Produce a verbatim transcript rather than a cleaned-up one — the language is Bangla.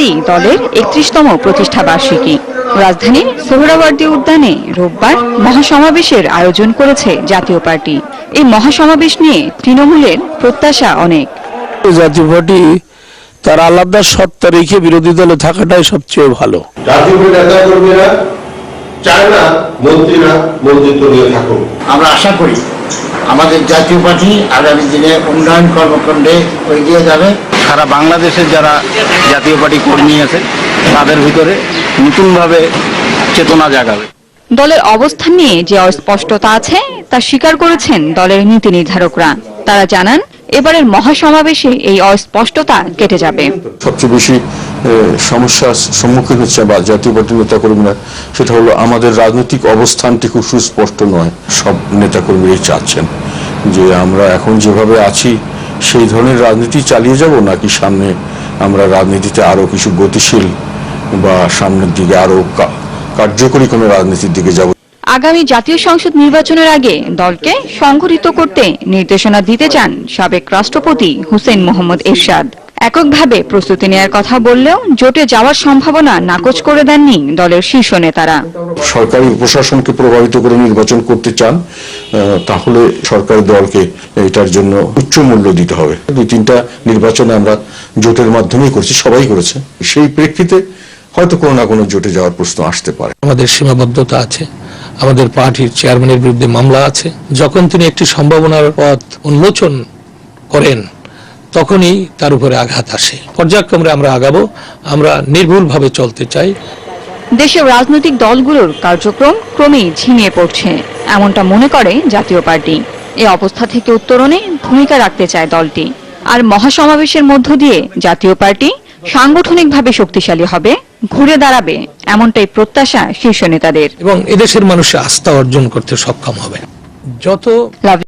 রোববারই দলের একত্রিশতম প্রতিষ্ঠা বার্ষিকী। রাজধানীর সোহরাওয়ার্দী উদ্যানে রোববার মহাসমাবেশের আয়োজন করেছে জাতীয় পার্টি। এই মহাসমাবেশ নিয়ে তৃণমূলের প্রত্যাশা অনেক। জাতীয় পার্টি তার আলাদা সত্তা রেখে বিরোধী দলে থাকাটাই সবচেয়ে ভালো। জাতীয় পার্টি নেতা কর্মীরা চায় না মন্ত্রীরা মন্ত্রিত্ব নিয়ে থাকুক। আমরা আশা করি আমাদের জাতীয় পার্টি আগামী দিনে উন্নয়ন কর্মকাণ্ডে এগিয়ে যাবে। সারা বাংলাদেশের যারা জাতীয় পার্টি কর্মী আছে তাদের ভিতরে নতুনভাবে চেতনা জাগাবে। দলের অবস্থান নিয়ে যে অস্পষ্টতা আছে তা স্বীকার করেছেন দলের নীতি নির্ধারকরা। তারা জানান, এবারের মহাসমাবেশে এই অস্পষ্টতা কেটে যাবে। সবচেয়ে বেশি সমস্যার সম্মুখীন হচ্ছে বা জাতীয় পার্টির নেতাকর্মীরা, সেটা হলো আমাদের রাজনৈতিক অবস্থানটি খুব সুস্পষ্ট নয়। সব নেতাকর্মীরাই চাচ্ছেন যে আমরা এখন যেভাবে আছি সেই ধরনের রাজনীতি চালিয়ে যাব, নাকি সামনে আমরা রাজনীতিতে আরো কিছু গতিশীল বা সামনের দিকে আরো কার্যকরী কোনো রাজনীতির দিকে যাব। আগামী জাতীয় সংসদ নির্বাচনের আগে দলকে সংগঠিত করতে নির্দেশনা দিতে চান সাবেক রাষ্ট্রপতি হুসেইন মোহাম্মদ এরশাদ। এককভাবে প্রস্তুতি নেওয়ার কথা বললেও জোটে যাওয়ার সম্ভাবনা নাকচ করে দেননি দলের শীর্ষ নেতারা। সরকারি প্রশাসনকে প্রভাবিত করে নির্বাচন করতে চান, তাহলে সরকারি দলকে এটার জন্য উচ্চ মূল্য দিতে হবে। দুই তিনটা নির্বাচনে আমরা জোটের মাধ্যমেই করেছি, সবাই করেছে। সেই প্রেক্ষিতে হয়তো কোনো না কোনো জোটে যাওয়ার প্রশ্ন আসতে পারে। আমাদের সীমাবদ্ধতা আছে, আমাদের পার্টির চেয়ারম্যানের বিরুদ্ধে মামলা আছে। যখন তিনি একটি সম্ভাবনার পথ উন্মোচন করেন তখনই তার উপরে আঘাত আসে। পর্যায়ক্রমে আমরা আগাবো, আমরা নির্ভুলভাবে চলতে চাই। দেশের রাজনৈতিক দলগুলোর কার্যক্রম ক্রমেই ঝিমিয়ে পড়ছে, এমনটা মনে করে জাতীয় পার্টি। এই অবস্থা থেকে উত্তরণে ভূমিকা রাখতে চায় দলটি। আর মহাসমাবেশের মধ্য দিয়ে জাতীয় পার্টি সাংগঠনিকভাবে শক্তিশালী হবে, ঘুরে দাঁড়াবে, এমনটাই প্রত্যাশা শীর্ষ নেতাদের। এবং এদেশের মানুষের আস্থা অর্জন করতে সক্ষম হবে। যত